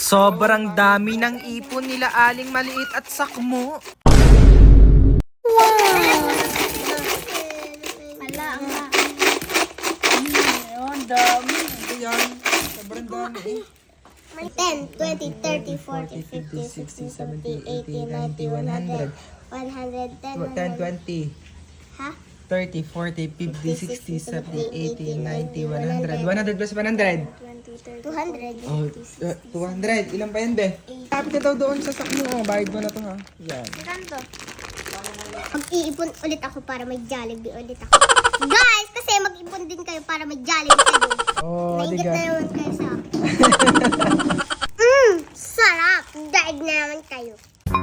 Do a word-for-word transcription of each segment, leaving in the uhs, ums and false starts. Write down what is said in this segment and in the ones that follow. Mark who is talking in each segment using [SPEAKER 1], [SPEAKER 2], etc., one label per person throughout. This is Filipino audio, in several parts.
[SPEAKER 1] Sobrang dami ng ipon nila Aling Maliit at Sakmo.
[SPEAKER 2] Ala, nga. Ayun, dami.
[SPEAKER 1] Ayan, sobrang dami eh.
[SPEAKER 3] ten, twenty, thirty, forty, fifty, sixty, seventy, eighty, ninety, one hundred, one hundred ten,
[SPEAKER 1] ten, twenty,
[SPEAKER 3] Ha?
[SPEAKER 1] thirty, forty, fifty, sixty, seventy, eighty, ninety, one hundred. one hundred plus one hundred.
[SPEAKER 3] two hundred.
[SPEAKER 1] Oh, uh, two hundred. Ilan pa yan, be? Kapit ka daw doon sa Sakmo. Oh, bayad mo na to, ha? Yan.
[SPEAKER 3] Ganito. Mag-iipon ulit ako para may Jollibee ulit ako. Guys, kasi mag-ipon din kayo para may Jollibee kayo.
[SPEAKER 1] Oh,
[SPEAKER 3] Nainggit
[SPEAKER 1] diga.
[SPEAKER 3] na naman kayo sa akin. Mmm, sarap. Daig na naman kayo.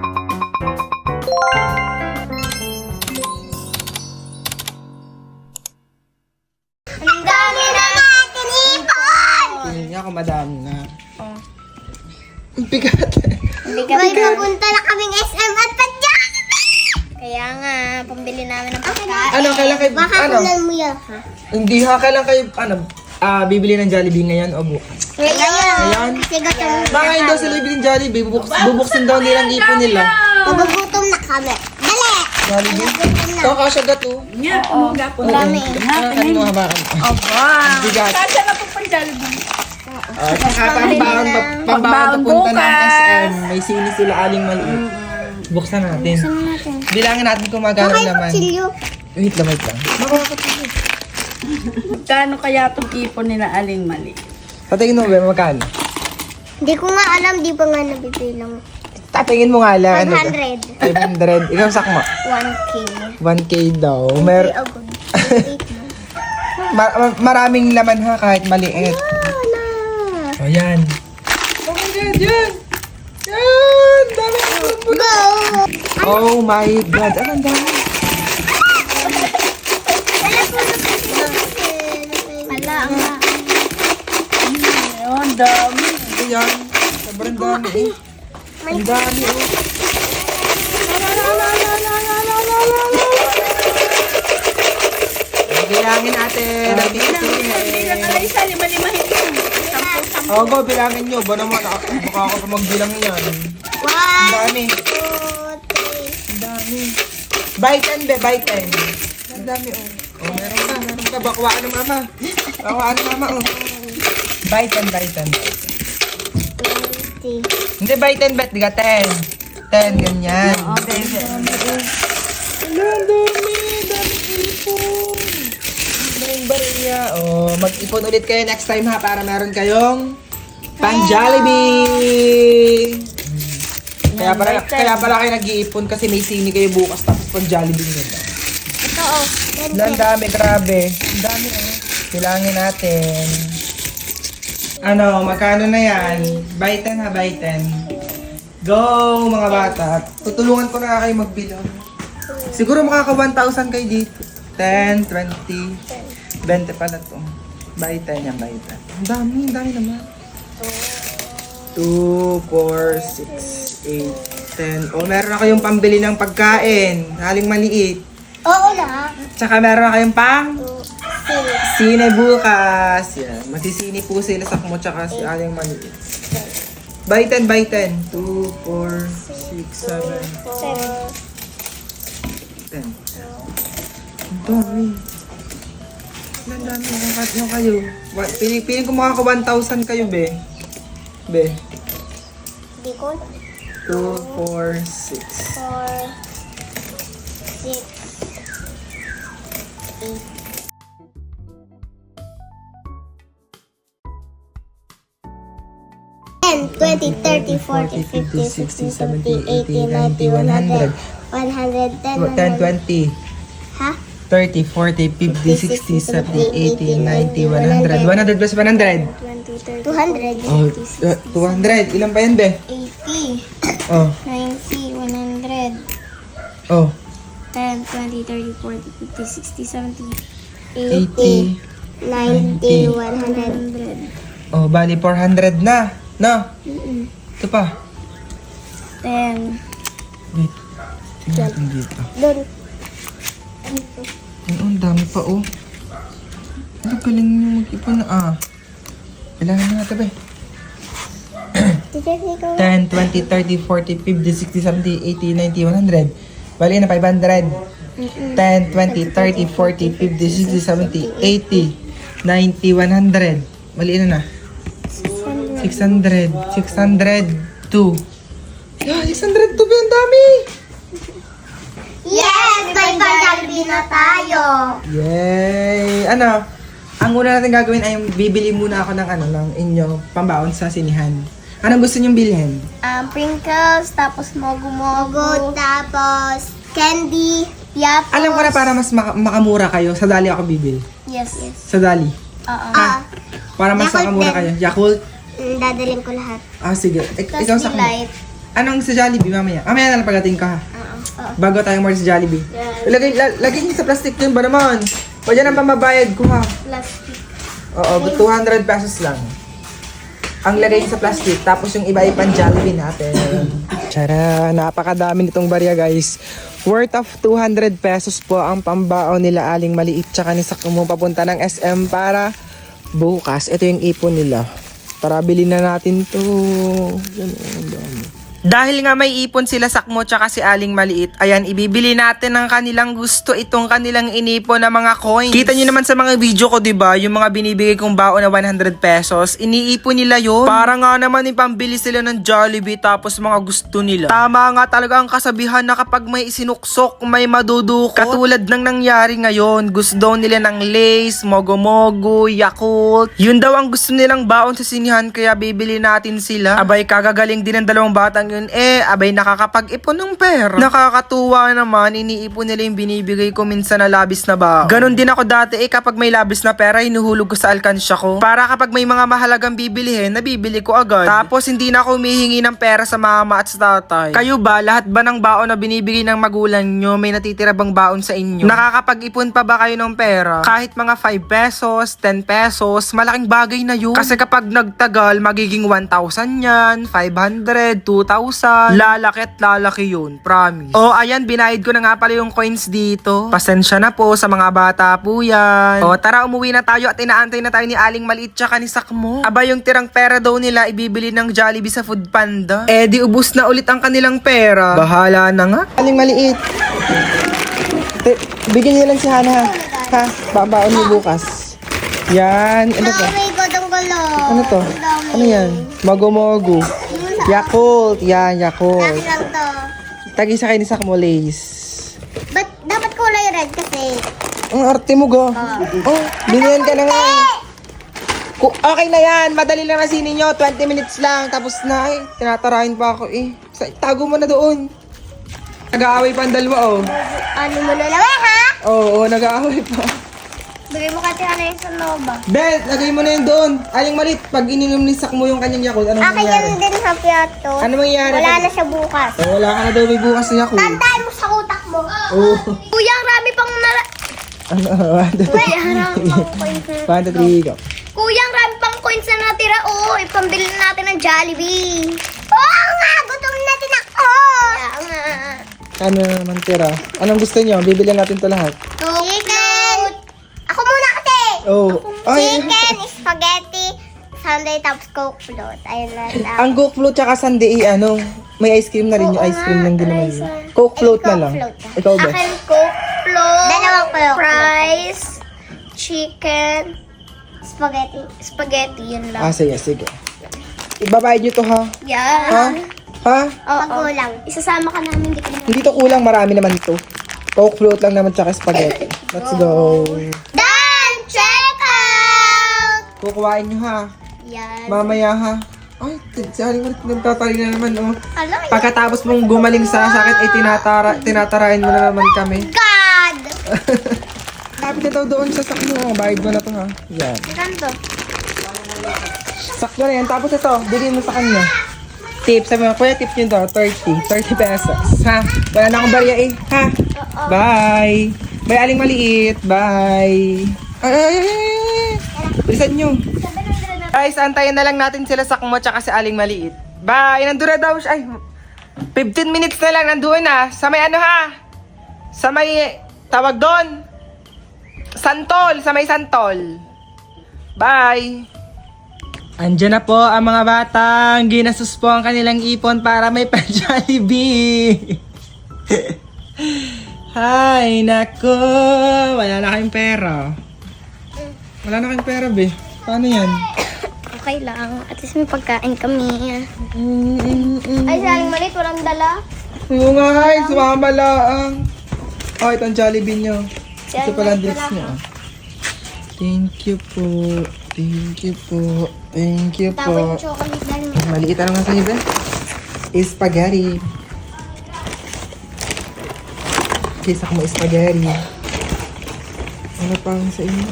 [SPEAKER 3] Ang dami na natin ipon!
[SPEAKER 1] Tingin niya kung madami na.
[SPEAKER 2] Oh.
[SPEAKER 1] Ang bigat.
[SPEAKER 3] May pupunta na kaming S M at pa-Jollibee!
[SPEAKER 2] Kaya nga, pambili namin ng pagkain.
[SPEAKER 1] Ano, kailan kayo,
[SPEAKER 3] Baka
[SPEAKER 1] ano?
[SPEAKER 3] kunan mo yan, ha?
[SPEAKER 1] Hindi ha, kailan kayo, ano, ah, bibili ng Jollibee ngayon o bukas?
[SPEAKER 3] Ngayon.
[SPEAKER 1] Ngayon?
[SPEAKER 3] Kasi gutom
[SPEAKER 1] Baka
[SPEAKER 3] na
[SPEAKER 1] hindi daw
[SPEAKER 3] kami.
[SPEAKER 1] sila bibili ng Jollibee, bubuks, bubuksin daw nilang ipon nila.
[SPEAKER 3] Magugutom na kami. Dali!
[SPEAKER 1] Jollibee?
[SPEAKER 3] Magugutom na.
[SPEAKER 1] Ito, kasya gato.
[SPEAKER 2] Nga, ano gapon.
[SPEAKER 1] Oo,
[SPEAKER 3] dami.
[SPEAKER 1] hawakan mo, hawakan mo.
[SPEAKER 2] Aba.
[SPEAKER 1] Bigat.
[SPEAKER 2] Saan na po pang Jollibee?
[SPEAKER 1] Ah, saka pambaon,
[SPEAKER 2] Pambaon
[SPEAKER 1] pambaon papunta ng
[SPEAKER 2] bukas.
[SPEAKER 1] S M. May sini sila Aling Maliit. Buksan natin. Bilangin natin kung magkano
[SPEAKER 3] Okay,
[SPEAKER 1] naman.
[SPEAKER 3] kutsilyo.
[SPEAKER 1] Wait lang, wait lang. Makakatulog.
[SPEAKER 2] Magkano kaya itong ipon nila Aling Mali?
[SPEAKER 1] Tatingin mo ba, magkano?
[SPEAKER 3] Hindi ko nga alam, di pa nga nabibilang.
[SPEAKER 1] Tatingin mo nga lang. ano to?
[SPEAKER 3] five hundred.
[SPEAKER 1] five hundred. Ikaw, Sakmo.
[SPEAKER 3] one K.
[SPEAKER 1] one K daw. Mer
[SPEAKER 3] Ay, agad. eight na.
[SPEAKER 1] ma- ma- maraming laman ha, kahit maliit.
[SPEAKER 3] Ah, na.
[SPEAKER 1] O, yan. Oh my God, yan! Yan! Dami ko.
[SPEAKER 3] Go!
[SPEAKER 1] Oh my God, ano ang dami?
[SPEAKER 2] Ala, nga. Ayun, dami.
[SPEAKER 1] Ayan, sobrang dami eh. Ang dami oh. Bilangin natin. Natin
[SPEAKER 2] Pambili na lang isa, lima-limahin ko. Sampu-sampu.
[SPEAKER 1] Oo, go, bilangin nyo. Ba naman, ako, baka ako pa magbilang yan. Ang
[SPEAKER 3] One,
[SPEAKER 1] dami.
[SPEAKER 3] two, three.
[SPEAKER 1] Ang dami. Buy ten, be, buy ten. Ang dami, oh. Oh, meron ka, meron ka. Bakwaan ng mama. Bakwaan ng mama, oh. Buy ten, buy ten.
[SPEAKER 3] twenty.
[SPEAKER 1] Hindi, buy ten, bet. Di ka ten. ten, ganyan.
[SPEAKER 2] Okay, okay.
[SPEAKER 1] Ang dami. Ang dami ipon. Ang bariya. Oh, mag-ipon ulit kayo next time ha para meron kayong pang Jollibee. Kaya pala, kaya pala kayo nag-iipon kasi may sini kayo bukas tapos pang Jollibee nyo.
[SPEAKER 3] Ito, oh.
[SPEAKER 1] Ang dami, grabe. Ang dami, oh. Bilangin natin. Ano, magkano na yan? Buy ten ha, buy ten. Go, mga bata. Tutulungan ko na kayo magbilang. Siguro makaka one thousand kayo dito. ten, twenty, twenty pala to. Buy ten yan, buy ten. Ang dami, ang dami naman. two, four, six, eight, ten. O, meron na kayong pambili ng pagkain. Aling Maliit.
[SPEAKER 3] Oo na.
[SPEAKER 1] Tsaka meron na kayong pang
[SPEAKER 3] Two, six,
[SPEAKER 1] sine bukas. Yan. Masisini po sila sa Sakmo tsaka si Aling Maliit. Buy ten, buy ten. two, four, six, seven,
[SPEAKER 3] seven.
[SPEAKER 1] ten. Ang dami. Ang dami. Ang yung kayo. Wa- Piling, piling ko makaka one thousand kayo, be. Be.
[SPEAKER 3] Di ko.
[SPEAKER 1] two, four, six.
[SPEAKER 3] Four, six, eight. ten, twenty, thirty, forty, fifty, sixty, seventy, eighty, ninety, one hundred, one hundred ten,
[SPEAKER 1] ten, twenty,
[SPEAKER 3] Ha?
[SPEAKER 1] thirty, forty, fifty, sixty, seventy, eighty, ninety, one hundred. one hundred plus one hundred.
[SPEAKER 3] two hundred.
[SPEAKER 1] Oh, uh, two hundred. Ilan pa yan, be?
[SPEAKER 3] eighty,
[SPEAKER 1] Oh,
[SPEAKER 3] ninety, one hundred,
[SPEAKER 1] oh.
[SPEAKER 3] ten, twenty, thirty, forty, fifty, sixty, seventy,
[SPEAKER 1] eighty,
[SPEAKER 3] ninety, one hundred.
[SPEAKER 1] Oh, bali four hundred na. No? Ito pa.
[SPEAKER 3] ten.
[SPEAKER 1] Wait. Tingnan natin dito.
[SPEAKER 3] Doon.
[SPEAKER 1] Ano, ang dami pa, oh. Ano, galing nyo mag-ipon na, ah. Kailangan na natin, be.
[SPEAKER 3] Teacher, ikaw.
[SPEAKER 1] ten, twenty, thirty, forty, fifty, sixty, seventy, eighty, ninety, one hundred. Bali na five hundred. ten, twenty, thirty, forty, fifty, sixty, seventy, eighty, ninety, one hundred. Mali na na. six hundred. six hundred two. Yeah, six hundred two ba? Ang dami!
[SPEAKER 3] Yes! May pa-Jollibee na tayo.
[SPEAKER 1] Yay! Ano? Ang una natin gagawin ay bibili muna ako ng ano, ng inyo pambaon sa sinihan. Anong gusto niyong bilhin?
[SPEAKER 3] Um, Pringles, tapos mogu-mogu, tapos candy, yapos.
[SPEAKER 1] Alam ko na para mas maka- makamura kayo, sa Dali ako bibili.
[SPEAKER 3] Yes, yes.
[SPEAKER 1] Sa Dali.
[SPEAKER 2] Oo.
[SPEAKER 3] Ah,
[SPEAKER 1] Para mas
[SPEAKER 3] Yakult
[SPEAKER 1] makamura
[SPEAKER 3] din.
[SPEAKER 1] kayo. Yakult?
[SPEAKER 3] mm, dadalhin ko lahat.
[SPEAKER 1] Ah, sige. Ik-
[SPEAKER 3] Tapos
[SPEAKER 1] ikaw sa
[SPEAKER 3] Delight.
[SPEAKER 1] Anong sa Jollibee mamaya? Mamaya na lang pagdating ka ha.
[SPEAKER 3] Oo. Oo.
[SPEAKER 1] Bago tayo more sa Jollibee.
[SPEAKER 3] Yes.
[SPEAKER 1] Lagay, la- lagay niyo sa plastic yun ba naman? O dyan ang pamabayad ko ha.
[SPEAKER 3] Plastic.
[SPEAKER 1] Oo, two hundred pesos lang. Ang lagay sa plastic, tapos yung iba ay pan Jollibee natin. Tara, napakadami nitong barya guys. Worth of two hundred pesos po ang pambaon nila Aling Maliit tsaka ni Sakmo papunta ng S M para bukas. Ito yung ipon nila. Tara, bilhin na natin to. Yan, oh, ang dami. Dahil nga may ipon sila Sakmo tsaka si Aling Maliit, ayan, ibibili natin ng kanilang gusto itong kanilang inipon na mga coins. Kita nyo naman sa mga video ko, diba? Yung mga binibigay kong baon na one hundred pesos, iniipon nila yon. Para nga naman ipambili sila ng Jollibee tapos mga gusto nila. Tama nga talaga ang kasabihan na kapag may isinuksok, may madudukot. Katulad ng nangyari ngayon, gusto daw nila ng Lays, Mogo-Mogo, Yakult. Yun daw ang gusto nilang baon sa sinihan kaya bibili natin sila. Abay, kagagaling din ng dalawang batang yun eh, abay nakakapag-ipon ng pera. Nakakatuwa naman, iniipon nila yung binibigay ko minsan na labis na ba. Ganon din ako dati eh, kapag may labis na pera, hinuhulog ko sa alkansya ko. Para kapag may mga mahalagang bibilihin, nabibili ko agad. Tapos hindi na ako humihingi ng pera sa mama at sa tatay. Kayo ba, lahat ba ng baon na binibigay ng magulang nyo, may natitira bang baon sa inyo? Nakakapag-ipon pa ba kayo ng pera? Kahit mga five pesos, ten pesos, malaking bagay na yun. Kasi kapag nagtagal, magiging one thousand yan, five hundred, two thousand, lalaki at lalaki yun, promise. O ayan, binayad ko na nga pala yung coins dito. Pasensya na po sa mga bata po yan. O tara, umuwi na tayo at inaantay na tayo ni Aling Maliit tsaka ni Sakmo. Aba, yung tirang pera daw nila ibibili ng Jollibee sa Food Panda. Eh di ubus na ulit ang kanilang pera. Bahala na nga. Aling Maliit. Te, bigyan niyo lang si Hana ha. Ha, babaon mo bukas. Yan, ano to?
[SPEAKER 3] May godong-gulo.
[SPEAKER 1] Ano to? Ano yan? Mogo-mogo. Yakult, yan, Yakult.
[SPEAKER 3] Laki lang to.
[SPEAKER 1] Tagi sa kayo ni Sakmo Lays.
[SPEAKER 3] Ba't dapat kulay red kasi?
[SPEAKER 1] Ang arte mo go. Oh, binihan ka na nga. eh. Ku- Okay na yan, madali lang na sinin nyo. twenty minutes lang, tapos na eh. Tinatarahin pa ako eh. Sa- Tago mo na doon. Nag-aaway pa ang dalawa oh.
[SPEAKER 3] Ano mo na lang eh, ha?
[SPEAKER 1] Oo, oh, nag-aaway pa.
[SPEAKER 3] Bigay mo kasi ano yung sa Nova.
[SPEAKER 1] Ben, lagay mo na yun doon. Aling Malit, pag ininom ni Sakmo yung kanyang Yakult, anong
[SPEAKER 3] Akin
[SPEAKER 1] mangyari?
[SPEAKER 3] yan din sa piyato.
[SPEAKER 1] Ano mangyari?
[SPEAKER 3] Wala na siya bukas.
[SPEAKER 1] Oh, wala ka na daw may bukas na Yakult.
[SPEAKER 3] Tandaan mo sa utak mo.
[SPEAKER 1] Oo.
[SPEAKER 3] Kuya, ang rami pang nala...
[SPEAKER 1] Ano, one, two,
[SPEAKER 3] Kuya, ang rami pang coins na...
[SPEAKER 1] one, two, three, go.
[SPEAKER 3] Kuya, ang rami pang coins na natira. Oo, ipambili na natin ng Jollibee. Oo nga, gutom na din ako. Kaya nga.
[SPEAKER 1] Ano naman tira? Anong gusto nyo? Bibilihan natin to lahat.
[SPEAKER 3] Chicken. Ako muna kasi.
[SPEAKER 1] Oh.
[SPEAKER 3] Chicken, spaghetti, sundae, tapos coke float. Ayun na lang.
[SPEAKER 1] Ang Coke float tsaka sundae, ano, may ice cream na rin yung
[SPEAKER 3] Oo
[SPEAKER 1] ice cream
[SPEAKER 3] nga,
[SPEAKER 1] lang din naman.
[SPEAKER 3] rice,
[SPEAKER 1] yun.
[SPEAKER 3] ah.
[SPEAKER 1] Coke float
[SPEAKER 3] Ay,
[SPEAKER 1] na
[SPEAKER 3] Coke
[SPEAKER 1] lang.
[SPEAKER 3] float.
[SPEAKER 1] Ikaw ba?
[SPEAKER 2] Akin Coke float,
[SPEAKER 3] Dalawang coke
[SPEAKER 2] fries, chicken,
[SPEAKER 3] Spaghetti.
[SPEAKER 2] spaghetti, yun
[SPEAKER 1] Ah,
[SPEAKER 2] lang.
[SPEAKER 1] sige, sige. Ibabayad nyo to ha?
[SPEAKER 2] Yan.
[SPEAKER 1] Ha? Ha?
[SPEAKER 2] Oo.
[SPEAKER 3] Magulang.
[SPEAKER 2] Isasama ka namin, di ka na.
[SPEAKER 1] Hindi to kulang, marami naman to. Coke float lang naman tsaka spaghetti. Let's go.
[SPEAKER 3] Done! Check out!
[SPEAKER 1] Kukuhain nyo ha.
[SPEAKER 3] Yan.
[SPEAKER 1] Mamaya ha. Ay, si Aling Malit nagtatari na naman oh.
[SPEAKER 3] Alam mo,
[SPEAKER 1] Pagkatapos mong gumaling sa sakit, ay tinatara, tinatarahin mo na naman kami.
[SPEAKER 3] God!
[SPEAKER 1] Kapit na daw doon sa sakmo. Bayad mo na to ha. Yan.
[SPEAKER 2] Saan to?
[SPEAKER 1] Sakto na yan. Tapos ito, bigyan mo sa kanya. Tip, sabi mo, kuya, tip nyo daw, thirty. thirty pesos. Ha? Wala na akong barya eh. Ha? Bye! Bye, Aling Maliit. Bye! Ay, ay, ay, ay, ay. Bilisan nyo. Guys, antayin na lang natin sila Sakmo tsaka si Aling Maliit. Bye! Nandun na daw siya. Ay, fifteen minutes na lang. Nandun na. Sa may ano ha? Sa may, tawag doon. Santol. Sa may Santol. Bye! Andyan na po ang mga batang ginastos po ang kanilang ipon para may pa-Jollibee. Hay, nako. Wala na kayong pera. Wala na kayong pera, be. Paano yan?
[SPEAKER 3] Okay lang. At least may pagkain kami. Ay, saling malit. Walang dala.
[SPEAKER 1] Oo nga, ay, sumama lang. Oh, ito ang Jollibee nyo. Ito pala ang drinks nyo. Thank you po. Thank you po. Thank you
[SPEAKER 3] Tawag
[SPEAKER 1] po.
[SPEAKER 3] yung chocolate dahil may
[SPEAKER 1] Maliit na naman sa'yo, be. Spaghetti. Kisa ko mo spaghetti. Ano pa ang sa inyo?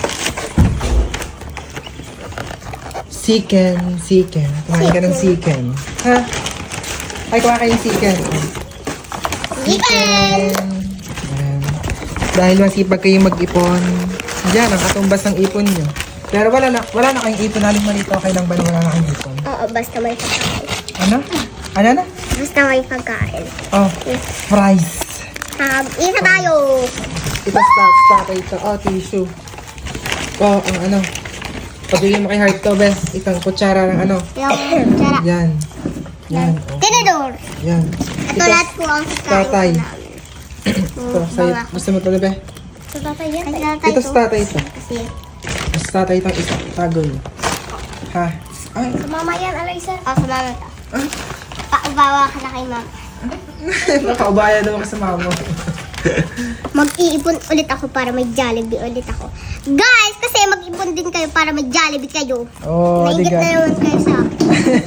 [SPEAKER 1] Chicken. Chicken. Kumain ka ng chicken. Ha? Ay, kumain kayo ng chicken.
[SPEAKER 3] chicken.
[SPEAKER 1] Ayan. Dahil masipag kayong mag-ipon. Diyan, ang katumbas ng ipon nyo. Pero wala na, wala na kayong ipon. Aling malito, okay lang ba na wala na kayong ipon?
[SPEAKER 3] Oo, basta may pagkain.
[SPEAKER 1] Ano? Ano na?
[SPEAKER 3] Basta may pagkain.
[SPEAKER 1] Oh, fries.
[SPEAKER 3] Um, isa tayo.
[SPEAKER 1] Ito, stop, stop. Ito, oh, tissue. Oh, ang ano. Pabigyan mo kay Heart to, best. Itang kutsara ng ano.
[SPEAKER 3] Yung tsara.
[SPEAKER 1] Yan. Yan. Oh.
[SPEAKER 3] Tinidor.
[SPEAKER 1] Yan.
[SPEAKER 3] Ito lahat po ang
[SPEAKER 1] tatay.
[SPEAKER 3] kakain namin.
[SPEAKER 1] Ito, sa'yo. Gusto mo ito, be?
[SPEAKER 3] Ito tatay yan. Ay, tatay
[SPEAKER 1] Ito sa tatay ito.
[SPEAKER 3] Kasi,
[SPEAKER 1] Sa tatay itong isa. Tago niyo. Ha? Ay.
[SPEAKER 3] sumama yan, Alaysa. Oh, sumama ka. Paubawa ka na kay mama.
[SPEAKER 1] Nakaubaya daw ako sa mama.
[SPEAKER 3] Mag-iipon ulit ako para may Jollibee ulit ako. Guys, kasi mag-ipon din kayo para may Jollibee kayo.
[SPEAKER 1] Oh,
[SPEAKER 3] Nainggit
[SPEAKER 1] diga.
[SPEAKER 3] na naman kayo sa akin.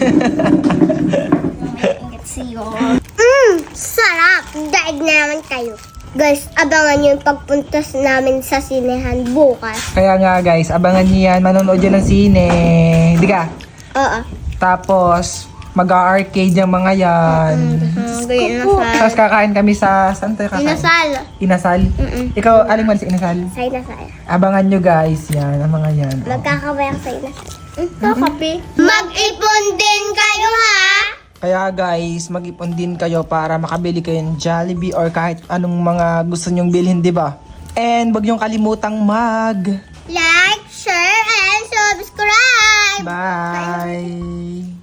[SPEAKER 3] Nainggit siyo. Mmm, sarap. Daig na naman kayo. Guys, abangan nyo yung pagpunta namin sa sinehan bukas.
[SPEAKER 1] Kaya nga guys, abangan niyo yan. Manonood yan ng sine. Di ka?
[SPEAKER 3] Oo.
[SPEAKER 1] Tapos, mag-arcade yung mga yan.
[SPEAKER 3] Mm, ganyan
[SPEAKER 1] Tapos kakain kami sa... Saan tayo kakain?
[SPEAKER 3] Inasal.
[SPEAKER 1] Inasal?
[SPEAKER 3] Mm-mm.
[SPEAKER 1] Ikaw, aling man sa inasal?
[SPEAKER 3] Sa inasal.
[SPEAKER 1] Abangan nyo guys, yan, ang mga yan.
[SPEAKER 3] Magkakabay ako sa inasal. Ito, kape. Mag-ipon din kayo, ha?
[SPEAKER 1] Kaya guys, mag-ipon din kayo para makabili kayo ng Jollibee or kahit anong mga gusto nyong bilhin, di ba? And wag nyong kalimutang mag...
[SPEAKER 3] Like, share, and subscribe.
[SPEAKER 1] Bye!